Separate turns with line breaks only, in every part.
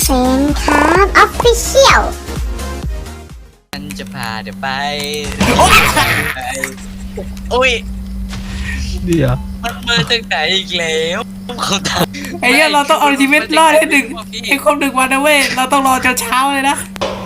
นครับออฟฟิเชียล
ฉันจะพาเดี๋ยวไปโอ้ย
เดี๋ยว
มันมาจากไหนอีกแล้วเขาทำ
ไอ้เหี้ยเราต้องเอาชีวิตรอดให้1ให้ครบ1 วันนะเว้ยเราต้องรอจนเช้าเลยนะ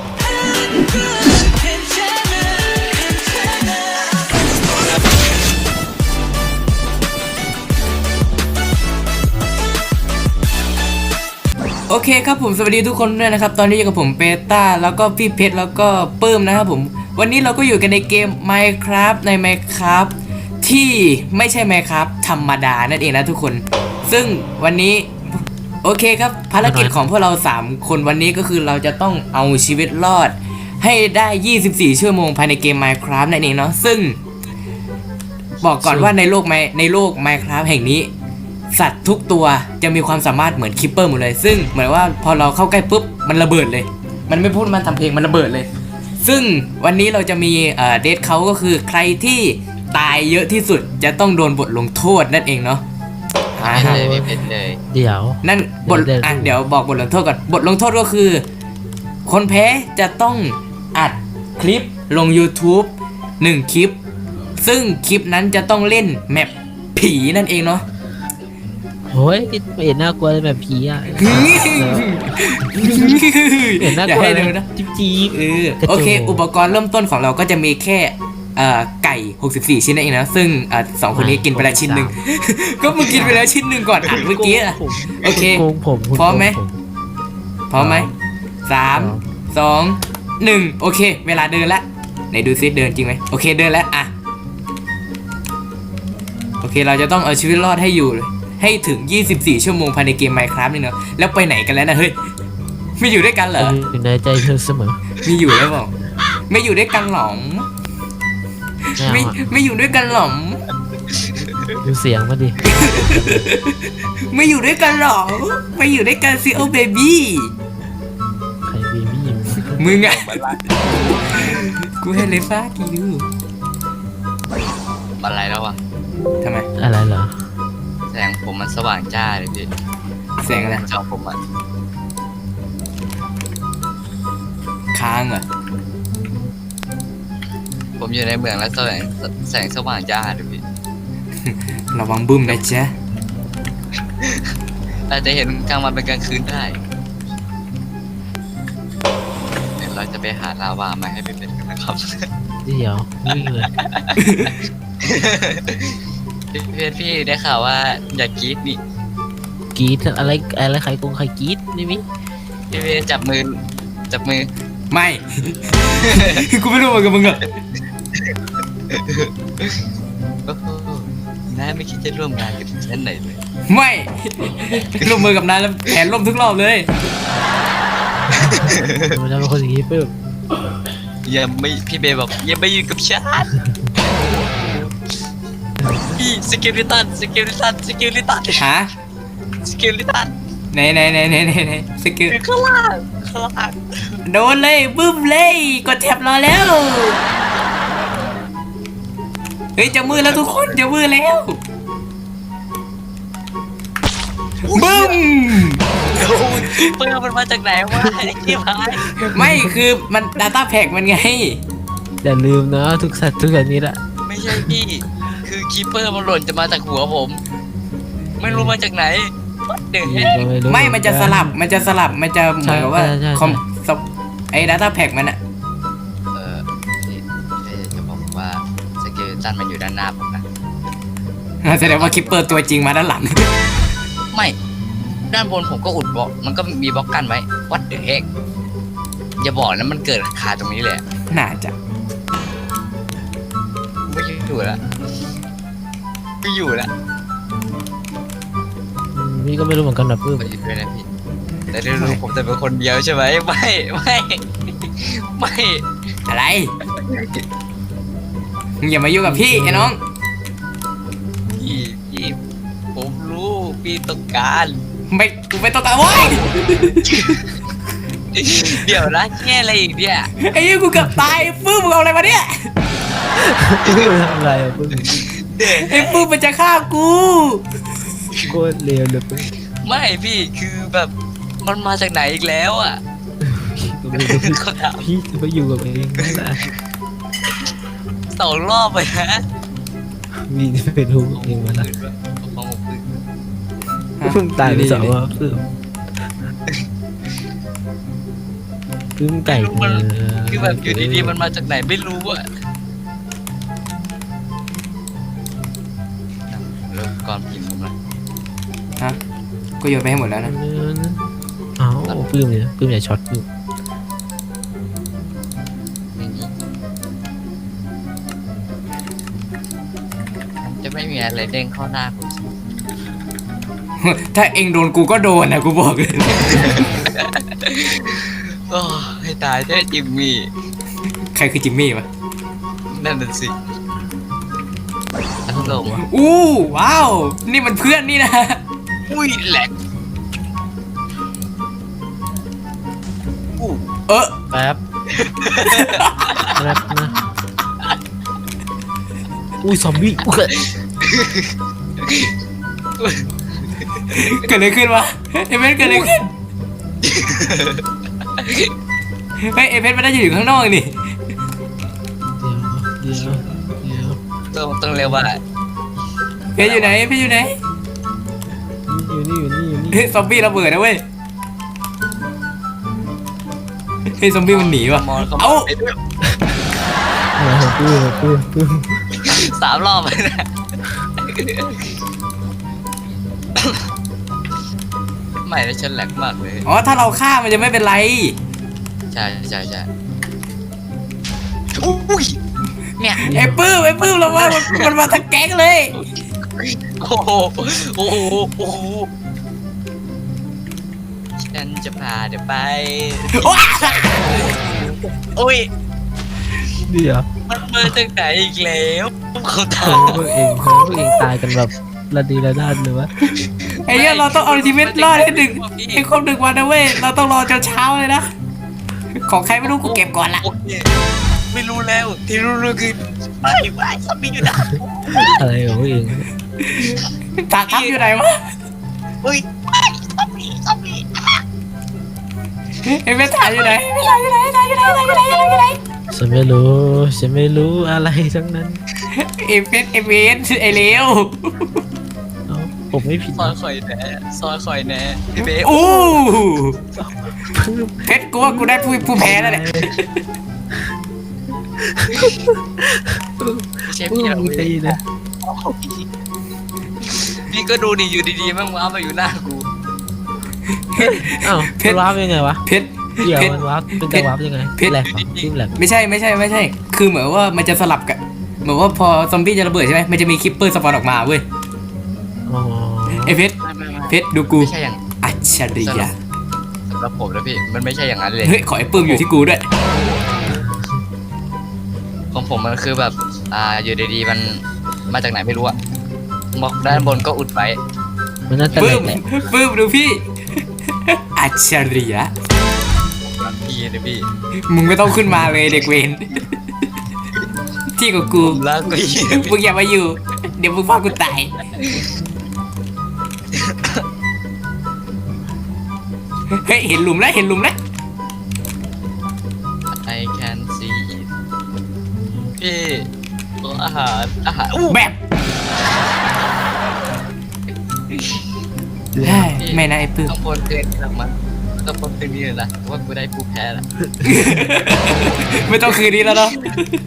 โอเคครับผมสวัสดีทุกคนด้วยนะครับตอนนี้อยู่กับผมเปต้าแล้วก็พี่เพชรแล้วก็ปื้มนะครับผมวันนี้เราก็อยู่กันในเกม Minecraft ใน Minecraft ที่ไม่ใช่ Minecraft ธรรมดานั่นเองนะทุกคนซึ่งวันนี้โอเคครับภารกิจของพวกเรา3คนวันนี้ก็คือเราจะต้องเอาชีวิตรอดให้ได้24ชั่วโมงภายในเกม Minecraft นั่นเองเนาะซึ่งบอกก่อนว่าในโลก Minecraft แห่งนี้สัตว์ทุกตัวจะมีความสามารถเหมือนคิปเปอร์หมดเลยซึ่งเหมือนว่าพอเราเข้าใกล้ปุ๊บมันระเบิดเลยมันไม่พูดมันทำเพลงมันระเบิดเลยซึ่งวันนี้เราจะมีเดทเขาก็คือใครที่ตายเยอะที่สุดจะต้องโดนบทลงโทษนั่นเองเนาะ
เลยไม่เป็นเลย
เดี๋ยวนั่นบทเดี๋ยวบอกบทลงโทษก่อนบทลงโทษก็คือคนแพ้จะต้องอัดคลิปลง YouTube 1 คลิปซึ่งคลิปนั้นจะต้องเล่นแมปผีนั่นเองเนาะ
โอ้ยไม่เห็นน่ากลัวเลยแบบผีอ่ะเห็นน่ากลัวเลยนะจี๊บ
โอเคอุปกรณ์เริ่มต้นของเราก็จะมีแค่ไก่64ชิ้นนั่นเองนะซึ่ง2คนนี้กินไปแล้วชิ้นหนึ่งก็มึงกินไปแล้วชิ้นหนึ่งก่อนอัดเมื่อกี้อะโอเคพร้อมไหม3 2 1โอเคเวลาเดินละไหนดูซิเดินจริงไหมโอเคเดินแล้วอะโอเคเราจะต้องเอาชีวิตรอดให้อยู่ให้ถึง24ชั่วโมงภายในเกม Minecraft นี่เนอะแล้วไปไหนกันแล้วนะเฮ้ยไม่อยู่ด้วยกันเหรอ
อยู่ในใจเธอเสมอ
มีอยู่แล้วบอกไม่อยู่ด้วยกันหรอไม่อยู่ด้วยกันหรอ
ดูเสียงมาดิ
ไม่อยู่ด้วยกันหรอไม่อยู่ด้วยกันสิโอเบบี้
ใครเบบี้
มึงอะกูให้เลฟ้ากิว
อะไรแล้ววะ
ทำไม
อะไรเหรอ
แสงผมมันสว่างจ้าเลยพี่
แสงอะไร
จอผมมัน
ค้างเหรอ
ผมอยู่ในเมืองแล้วแสงสว่างจ้าเลยพี่
ระวังบึ้มนะจ๊ะ
อาจจะเห็นกลางวันเป็นกลางคืนได้เดี๋ยวเราจะไปหาลาวามาให้เป็นกันนะครับ
เดี๋ยววิ่งเลย
พี่ได้ข่าวว่าอยากกรี๊ดนี่
กรี๊ดอะไรใครกงใครกรี๊ดนี่มิ
พี่จับมือ
ไม่ กูไม่รู้เหมือนกับมึงอะ
น้าไม่คิดจะร่วมงานกับฉันไหนเลย
ไม่ร่วมมือกับนายแล้วแขนล่มทุกรอบเลย
มันจะเป็นคนอย่างนี้ปึ๊บ
พี่เบย์บอกอย่าไปอยู่กับฉันพี่สกิลิตันฮะสกิลิตัน
ไหนสกิล
ข้างล่าง
โดนเลยบึ้มเลยกดแท็บรอแล้วเฮ้ยจะมือแล้วทุกคนจะมือแล้วบึ้ม
เปิดมันมาจากไหนวะไอ้ที่พาย
ไม่คือมัน Data Pack มันไง
อย่าลืมนะทุกสัตว์ทุกอย่างนี้ละ
ไม่ใช่พี่คือคีเปอร์มันหล่นจะมาจากหัวผมไม่รู้มาจากไหน
ไม่มันจะสลับมันจะเหมือนกับว่าไอ้ Data Pack มันอะ
จะบอกว่าสเกลตันมันอยู่ด้านหน้าผมนะ
แสดงว่าคิปเปอร์ตัวจริงมาด้านหลัง
ไม่ด้านบนผมก็อุดบล็อกมันก็มีบล็อกกันไว้วัดเดอะเฮกอย่าบอกนะมันเกิดคาตรงนี้เลย
น่าจะ
ไม่อยู่แล้ว
พี่ก็ไม่รู้เหมือนกันนะปื้ม
ไม่อยู่ด้วยนะพี่แต่ได้รู้ผมแต่เป็นคนเดียวใช่ไหมไม่
อะไรมึงอย่ามายุ่งกับพี่ไอ้น้อง
พี่ผมรู้พี่ต้องการ
กูไม่ต้องการโว้ย
เดี๋ยวนะแค่อะไรอีกเนี่ย
ไอ้ยี่กูเกือบตายปื้มมึงเอาอะไรมาเนี่ย
ปื้มทำอะไรปื้ม
ไอ้ปื้มมันจะฆ่ากู
โคตรเลวเลยปื้ม
ไม่พี่คือแบบมันมาจากไหนอีกแล้วอ่ะ
ก็ไม่รู้
เขาถาม
พี่จะไปอยู่กับเองนั่นแหละ
2 รอบไปนะ
พี่จะไปรู้เองมันละ
ของผมคือ
เพิ่งตายไป2 รอบเพิ่งไก่
คือแบบอยู่ดีๆมันมาจากไหนไม่รู้อ่ะเริ่มก่อนพิมพ์ผมละ
ฮะกูโยนไปให้หมดแล้วนะ
เอ้าปื้มเนี่ยปื้มอย่าช็อตปื้ม
ไม่มีมันจะไม่มีอะไรเด้งเข้าหน้าผม
ถ้าเองโดนกูก็โดนนะกูบอกเลย
โอ้ให้ตายเจ้จิมมี่
ใครคือจิมมี่วะ
นั่นน่ะสิอันลงวะ
อู้ว้าวนี่มันเพื่อนนี่นะ
อุ้ยแหลกอู้
เออ
แป๊บแป๊บนะอุ้ยซอมบี้อุ๊ย
เกิดอะไรขึ้นวะเอเมนเกิดอะไรขึ้นเฮ้ยเอเมนมันน่าจะอยู่ข้างนอกนี่
เดี๋ยว
ต้องเรียกว่า
เพชรอยู่ไหนเพชรอยู่ไหน
อยู่นี่
เฮ้ยซอมบี้ระเบิดนะเว้ยเฮ้ยซอมบี้มันหนีว่ะ
มอนเขา
เอ้า
ไปด้วย
ปื้ม
3 รอบเลยนะไม่ได้ฉันแหลกมากเลย
อ๋อถ้าเราฆ่ามันจะไม่เป็นไร
ใช่อุ้ยเนี่ย
ไอ้ปื้มเราว่ามันมาทั้งแก๊งเลย
โอ้โหโอ้โหโอ้โหฉันจะพาเดี๋ยวไป
ว้า
โอ้ย
เดี๋ยว
มันมาจากไหนอีกแล้วเขาถาม
พวกเองตายกันแบบระดีระด้านเลยวะ
ไอ้เนี้ยเราต้องเอาชีวิตรอดให้ครบ1 วันนะเว้ยเราต้องรอจนเช้าเลยนะของใครไม่รู้กูเก็บก่อนละ
โอเคไม่รู้แล้วที่รู้คือไม่ซอมบี้อยู่นะ
อะไรของพวกเอง
ตาทับอยู่ไหนวะ
เฮ้ยซอมบี้
ไอ้เมถ่ายอยู่ไหนไม่ถ่ายอยู่ไหน
ฉันไม่รู้อะไรทั้งนั้น
เอเมไอ้เลว
เอ้าผมไม่ผิด
ซอยข่อยแน่พี่เบ๊
อู้
ปื้ม
เพชรกูว่ากูได้ผู้แพ้แล้วเนี่ย
ไม่ใช่
ปื้
พี่
ม
เรา
ใจนะ
พี่ก็ดูดิอยู่ดีๆมันว้ามาอยู่หน้ากู
อ้าวมันวาร์ปยังไงวะ
เพชร
เดี๋ยว
เพชร
มันวาร์ปเป็นการวาร์ปยังไง
เพชร
แหลกเหรอปื้มแหลก
ไม่ใช่คือเหมือนว่ามันจะสลับกันเหมือนว่าพอซอมบี้จะระเบิดใช่ไหมมันจะมีคิปเปอร์สปอนออกมาเว้ย
อ๋อ
ไอ้เพชร
ไม่
เพชรดูกู
ไม่ใช่อย่าง
อัจฉริยะ
สำหรับผมนะพี่มันไม่ใช่อย่างนั้นเลย
เฮ้ยขอไอ้ปื้มอยู่ที่กูด้วย
ของผมมันคือแบบอยู่ดีๆมันมาจากไหนไม่รู้อะบอกด้านบนก็อุดไว้
มันน่าจะแหล
ปื้
ก
ม
แหละ
ปื้มดูพี่ อัจฉริยะ
พี่นะพี่
มึงไม่ต้องขึ้นมาเลยเด็กเวนที่กับกู
ผมรักพี่
มึงอย่ามาอยู่ เดี๋ยวมึงพากูตายเฮ้ยเห็นหลุมแล้ว
ไอ can see it พี่อาหารอู้
แบบเฮ้ยไม่นะไอ้ปื้ม
ต้องบนเกินหลังมันต้องบนเกินนี่เลยนะว่ากูได้ผู้แพ้ละ
ไม่ต้องคืนนี้แล้วเนาะ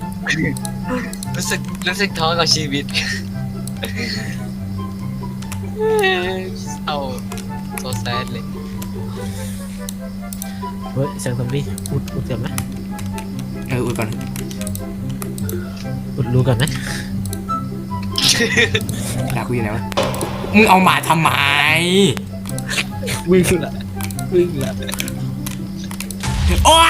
รู้สึกท้อกับชีวิตเอาโซแซดเลย
เฮ้ยเสียงซอมบี้อุดกันไหม
อุดก่อน
อุดรู้กันไหม
ด่ากูอยู่ไหนวะมึงเอาหมาทำไม
วิ่งละ
โอ้ย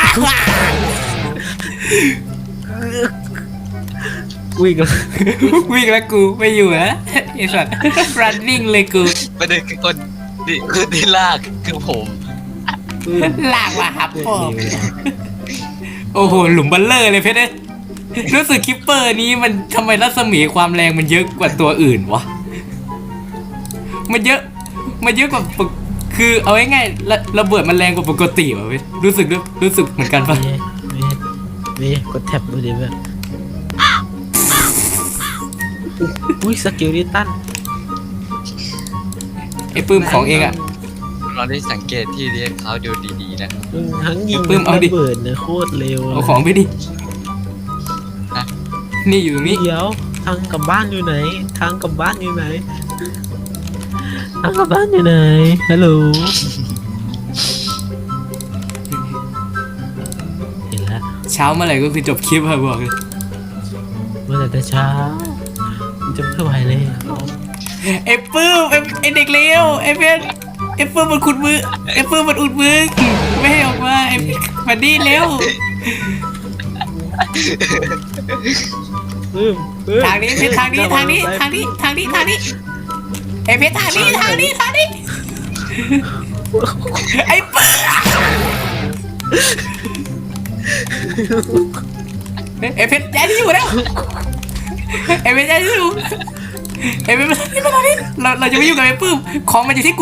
วิ่งละ
วิ่งแล้วกูไม่อยู่แล้วไอ้สัตว์ running เลยกู
ประเด็นคือคนที่ลากคือผม
ลากมาครับพ่อโอ้โหหลุมบัลเลอร์เลยเพชรเอ้ยรู้สึกคิปเปอร์นี้มันทำไมรัศมีความแรงมันเยอะกว่าตัวอื่นวะมันเยอะกว่าปกคือเอาง่ายๆระเบิดมันแรงกว่าปกติว่ะเว้ยรู้สึกเหมือนกันปะ
มีกดแท็บดูดิเพื่อนอุ้ยสกิลดิตัน
ไอ้ปื้มของเองอะ
เราได้สังเกตที่เรียกเขาดูดีๆนะ
ทั้งยิง
ปื้มเอาดิ
ระเบิดเนี่ยโคตรเร็ว
เอาของไปดินี่อยู่ตรงนี้
เดี๋ยวทางกลับบ้านอยู่ไหนทางกลับบ้านอยู่ไหนทางกลับบ้านอยู่ไหนฮัลโหลเห็นแล้ว
เช้าเมื่อไหร่ก็คือจบคลิปอะบอกเลย
เมื่อแต่เช้ามันจะไม่ไหวเลย
ไอ้ปื้มไอ้เด็กเลวไอ้เพชรไอ้ปื้มมันขุดมือไอ้ปื้มมันอุดมือไม่ให้ออกมาไอ้มาดีเร็ว ทางนี้เพชรทางนี้ไอ้เพชรทางนี้ไอ้ปื้มไอ้เพชรย้ายที่อยู่แล้วไอ้เพชรย้ายที่อยู่ไอ้เพชรมาที่นี่เราจะไม่ยุ่งกับไอ้ปื้มของมันอยู่ที่กู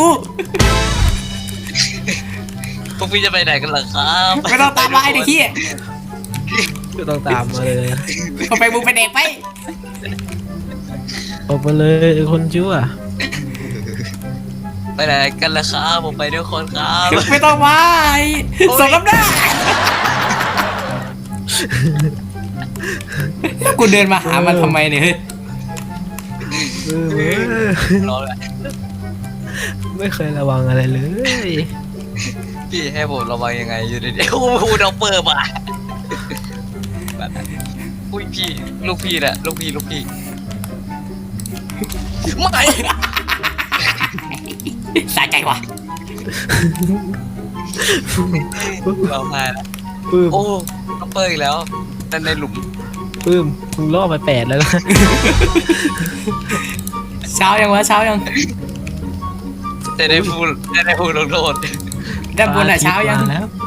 พวกพี่จะไปไหนกันล่ะครับ
ไม่ต้องตามมาไอ้เด็กขี้
ก็ต้องตามมาเลย
เอาไปมึงไปเด็กไป
ออกมาเลยไอ้คนชั่ว
ไปไหนกันล่ะครับผมไปด้วยคนครับ
ไม่ต้องมาสมน้ำหน้ากูเดินมาหามันทำไมเนี่ยเฮ้ย
รอเลย
ไม่เคยระวังอะไรเลย
พี่ให้ผมระวังยังไงอยู่ดีๆโอ้โหเราเปิดมาอุ้ยพี่ลูกพี่แหละลูกพี่ไม่
สะใจว่ะ
เรามาแล้ว
ปื้ม
โอ้เราเปิดอีกแล้วแต่ในหลุม
ปื้มมึงล่อไป8แล้วนะ
เช้ายังวะเช้ายัง
แต่ได้พูดลงโทษ
ด้านบนอ่ะเช้ายัง
มแล้ว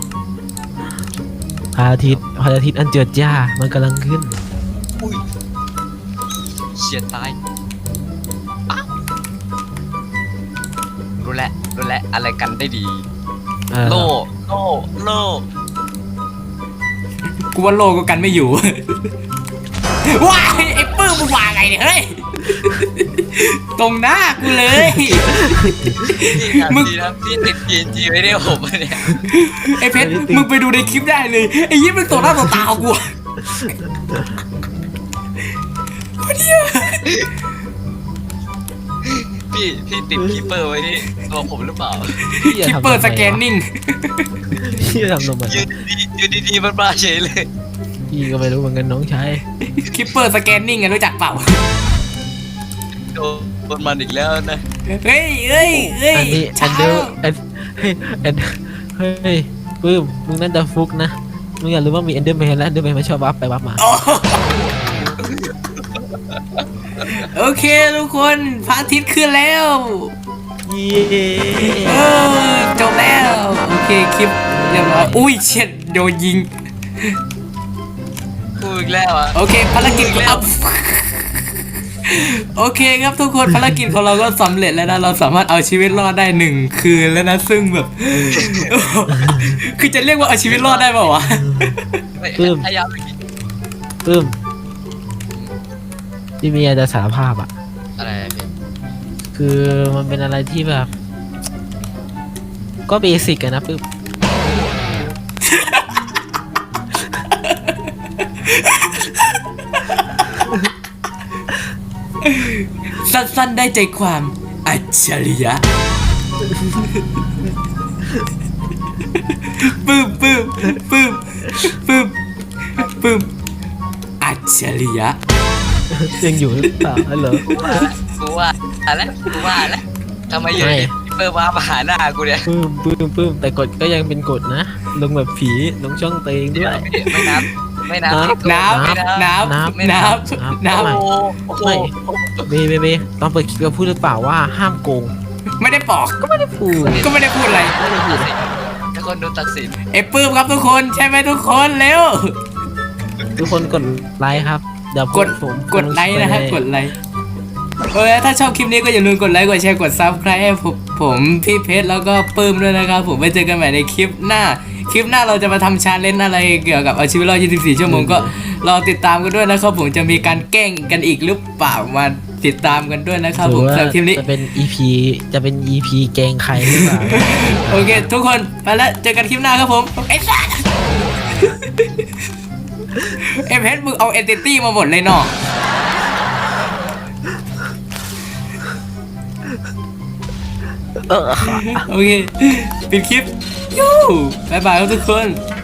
พระอาทิตย์อันเจิดจ้ามันกำลังขึ้น
อุ้ยเฉียดตายอ้าวรู้แล้วอะไรกันได้ดี โล่
กูว่าโลก็กันไม่อยู่ว้ายไอ้ปื้มมึงว่าไงเนี่ยเฮ้ยตรงหน้ากูเลย มึง
ดีนะพี่ติด PNG ไว้ได้ผมเนี่ย
ไอ้เพชรมึงไปดูในคลิปได้เลยไอ้ยิ้มมึงต่อหน้าต่อตากูอะ
พี่ติดคีเปอร์ไว้ที่ตัวผมหรือเปล่า
คลิปเปิดสแกนนิ่ง
พี่จะทำทำไม
ยืนดีๆมันมาเฉยเลย
พี่ก็ไม่รู้เหมือนกันน้องชาย
คลิปเปิดสแกนนิ่งอะรู้จักเปล่า
โดนมันอีกแล้วนะ
เฮ้ย
อันนี้อั
เช้าน
เดอร์เฮ้ยปื้มมึงนั่นจะฟุกนะมึงอยากรู้ว่ามีเอนเดอร์แมนแล้วเอนเดอร์แมนมันชอบวับไปวับมา
โอเคทุกคนพระอาทิตย์ขึ้นแล้ว
เย้
จบแล้วโอเคคลิปเรียบร้อยอุ้ยเช็ดโดนยิง
พูดอีกแล้วอ่ะ
โอเคภารกิจอัพโอเคครับทุกคนภารกิจของเราก็สำเร็จแล้วนะเราสามารถเอาชีวิตรอดได้1 คืนแล้วนะซึ่งแบบ คือจะเรียกว่าเอาชีวิตรอดได้เปล่าวะ
พยายามอีก
ปื้มที่มีอะไรจะสารภาพอ่ะ
อะไรพี่
คือมันเป็นอะไรที่แบบ ก็เบสิกกันนะปื้ม
สั้นๆได้ใจความอัจฉริยะปื้มอัจฉริยะ
ยังอยู่หรือเปล่าเหรอ
กูว่าแล้วทำไมอยู่ดีเปิดมาหาหน้ากูเนี่ย
ปื้มแต่กฎก็ยังเป็นกฎนะ ลงแบบผีลงช่องเตงด้วย
ไม่นับ
น้ำ
ไม่เบตอนเปิดคลิปเราพูดหรือเปล่าว่าห้ามโกง
ไม่ได้บอก
ก็ไม่ได้พูด
ก็ไม่ได้พูดอะไร
ไม่ได้พูด
ถ้าคนดูตัดสิน
ไอ้ปื้มครับทุกคนใช่ไหมทุกคนเร็ว
ทุกคนกดไลค์ครับเดี๋ยว
กดไลค์นะฮะกดไลค์ถ้าชอบคลิปนี้ก็อย่าลืมกดไลค์กดแชร์กด Subscribe ให้ผมผมพี่เพชรแล้วก็ปื้มด้วยนะครับผมไว้เจอกันใหม่ในคลิปหน้าเราจะมาทำชาเลนจ์อะไรเกี่ยวกับเอาชีวิตรอด24 ชั่วโมงก็รอติดตามกันด้วยนะครับผมจะมีการแกล้งกันอีกหรือเปล่ามาติดตามกันด้วยนะครับ
ห
ผ
รือ
ม
ว่า
สำหรับคลิปนี้
จะเป็น EP เกงใครหรือเปล่า
โอเค ทุกคนไปแล้วเจอกันคลิปหน้าครับผมไอ้สัสเอ็มเพชรมึงเอาเอนติตี้มาหมดเลยเนาะโอเคปิดคลิปยูบ๊ายบายครับทุกคน